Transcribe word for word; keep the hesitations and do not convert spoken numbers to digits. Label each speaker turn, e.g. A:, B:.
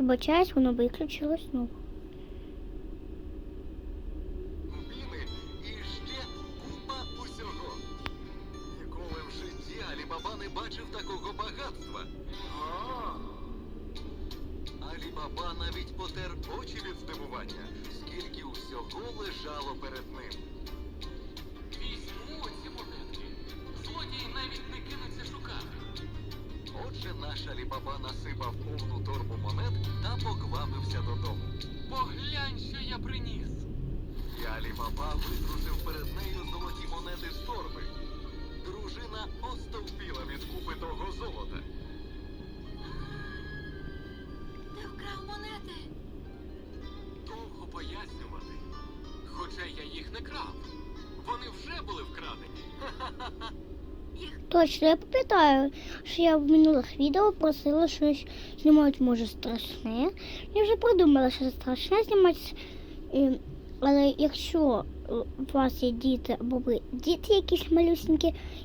A: Вибачаюсь, воно виключилось. Ну.
B: Міни і ще купа усього. Ніколи в житті Алі-Баба не бачив такого багатства. Алі-Баба навіть потер очі від здивування, скільки усього лежало перед ним.
C: Візьму ці монетки. Злодій навіть не кинеться шукати.
B: Отже, наш Алі-Баба насипав повну торбу монет та поквапився додому.
C: Поглянь, що я приніс.
B: І Алі-Баба витрусив перед нею золоті монети з торби. Дружина остовпіла від купи того золота.
D: Ти вкрав монети.
C: Довго пояснювати. Хоча я їх не крав. Вони вже були вкрадені.
A: Точно, я пам'ятаю, що я в минулих відео просила щось знімати, може, страшне. Я вже придумала, що страшне знімати. Е, Але якщо у вас є діти, або ви діти якісь малюсенькі,